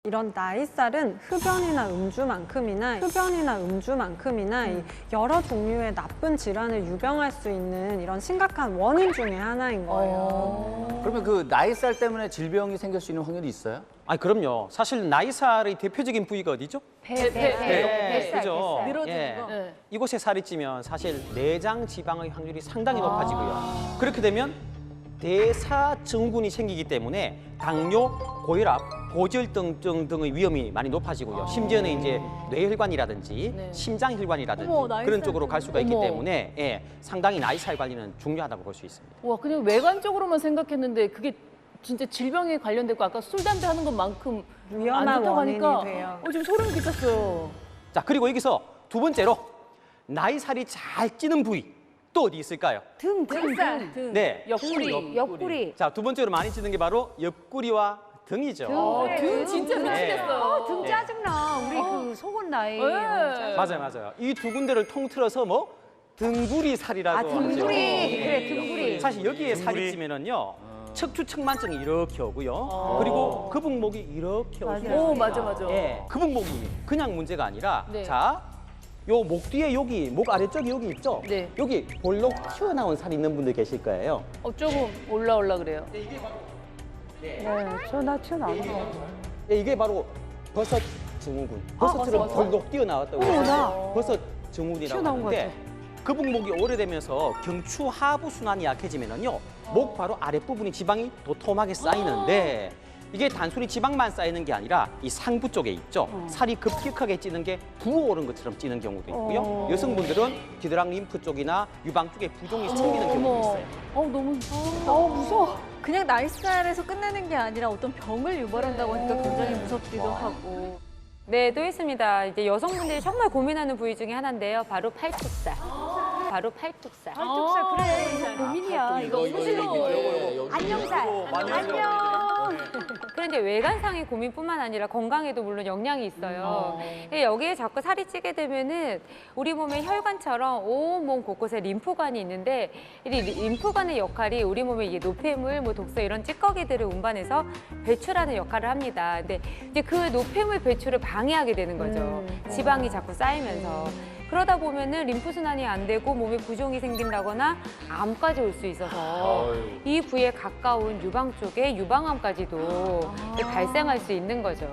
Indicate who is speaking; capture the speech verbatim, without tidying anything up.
Speaker 1: 이런 나이살은 흡연이나 음주만큼이나 흡연이나 음주만큼이나 이 여러 종류의 나쁜 질환을 유병할 수 있는 이런 심각한 원인 중에 하나인 거예요.
Speaker 2: 그러면 그 나이살 때문에 질병이 생길 수 있는 확률이 있어요?
Speaker 3: 아니 그럼요. 사실 나이살의 대표적인 부위가 어디죠?
Speaker 4: 배, 배, 배, 뱃살,
Speaker 3: 그죠?
Speaker 4: 뱃살.
Speaker 3: 늘어지는
Speaker 4: 예.
Speaker 3: 거.
Speaker 4: 네.
Speaker 3: 이곳에 살이 찌면 사실 내장 지방의 확률이 상당히 높아지고요. 그렇게 되면 대사증후군이 생기기 때문에 당뇨, 고혈압, 고지혈증 등의 위험이 많이 높아지고요. 심지어는 이제 뇌혈관이라든지
Speaker 4: 네.
Speaker 3: 심장혈관이라든지
Speaker 4: 어머, 나이살
Speaker 3: 그런 쪽으로 갈 수가 있기
Speaker 4: 어머.
Speaker 3: 때문에 예, 상당히 나이살 관리는 중요하다고 볼 수 있습니다.
Speaker 4: 와, 그냥 외관적으로만 생각했는데 그게 진짜 질병에 관련됐고 아까 술, 담배 하는 것만큼
Speaker 1: 위험한
Speaker 4: 안 좋다고 하니까
Speaker 1: 원인이 돼요.
Speaker 4: 어, 좀 소름 끼쳤어요.
Speaker 3: 자, 그리고 여기서 두 번째로 나이살이 잘 찌는 부위 또 어디 있을까요?
Speaker 5: 등, 등,
Speaker 4: 등살,
Speaker 5: 등.
Speaker 3: 네.
Speaker 4: 옆구리.
Speaker 5: 옆구리.
Speaker 3: 자, 두 번째로 많이 찌는 게 바로 옆구리와 등이죠.
Speaker 4: 어,
Speaker 5: 그래,
Speaker 4: 등 진짜
Speaker 5: 등.
Speaker 4: 미치겠어요.
Speaker 5: 어, 등 짜증나. 우리 그 속은 나이.
Speaker 4: 네.
Speaker 3: 맞아요, 맞아요. 이 두 군데를 통틀어서 뭐 등구리 살이라고
Speaker 5: 아, 등구리.
Speaker 3: 하죠.
Speaker 5: 그래, 등구리.
Speaker 3: 사실 여기에 살이 찌면은요. 척추측만증이 이렇게 오고요. 그리고 거북목이 이렇게 오고요.
Speaker 4: 오, 맞아, 맞아.
Speaker 3: 예, 거북목이 그냥 문제가 아니라
Speaker 4: 네.
Speaker 3: 자, 요 목 뒤에 여기 목 아래쪽에 여기 있죠?
Speaker 4: 네.
Speaker 3: 여기 볼록 튀어나온 살 있는 분들 계실 거예요.
Speaker 4: 어, 조금 올라올라 그래요.
Speaker 5: 네, 저나 튀어나오는 거 같아요.
Speaker 3: 예, 이게 바로 버섯 증후군. 버섯처럼
Speaker 4: 버섯.
Speaker 3: 볼록 뛰어나왔다고
Speaker 5: 어머,
Speaker 3: 해서
Speaker 5: 나.
Speaker 3: 버섯 증후군이라고
Speaker 5: 튀어나온 것
Speaker 3: 하는데 거북목이 오래되면서 경추 하부 순환이 약해지면은요 목 바로 아랫부분이 지방이 도톰하게 쌓이는데 이게 단순히 지방만 쌓이는 게 아니라 이 상부 쪽에 있죠. 살이 급격하게 찌는 게 부어오른 것처럼 찌는 경우도 있고요.
Speaker 5: 어.
Speaker 3: 여성분들은 귀드랑 림프 쪽이나 유방 쪽에 부종이 생기는 경우도 있어요.
Speaker 4: 어, 너무.
Speaker 5: 어, 무서워.
Speaker 6: 그냥 나이살에서 끝내는 게 아니라 어떤 병을 유발한다고 하니까 굉장히 무섭기도 하고.
Speaker 7: 네, 또 있습니다. 이제 여성분들이 정말 고민하는 부위 중에 하나인데요. 바로 팔뚝살. 바로 팔뚝살.
Speaker 5: 팔뚝살, 그래. 이거 고민이야. 이거
Speaker 4: 이거,
Speaker 5: 안녕살. 안녕.
Speaker 7: 그런데 외관상의 고민뿐만 아니라 건강에도 물론 영향이 있어요. 근데 여기에 자꾸 살이 찌게 되면은 우리 몸의 혈관처럼 온 몸 곳곳에 림프관이 있는데 이 림프관의 역할이 우리 몸의 이게 노폐물, 뭐 독소 이런 찌꺼기들을 운반해서 배출하는 역할을 합니다. 근데 이제 그 노폐물 배출을 방해하게 되는 거죠. 지방이 자꾸 쌓이면서. 그러다 보면은 림프 순환이 안 되고 몸에 부종이 생긴다거나 암까지 올 수 있어서 이 부위에 가까운 유방 쪽에 유방암까지도 발생할 수 있는 거죠.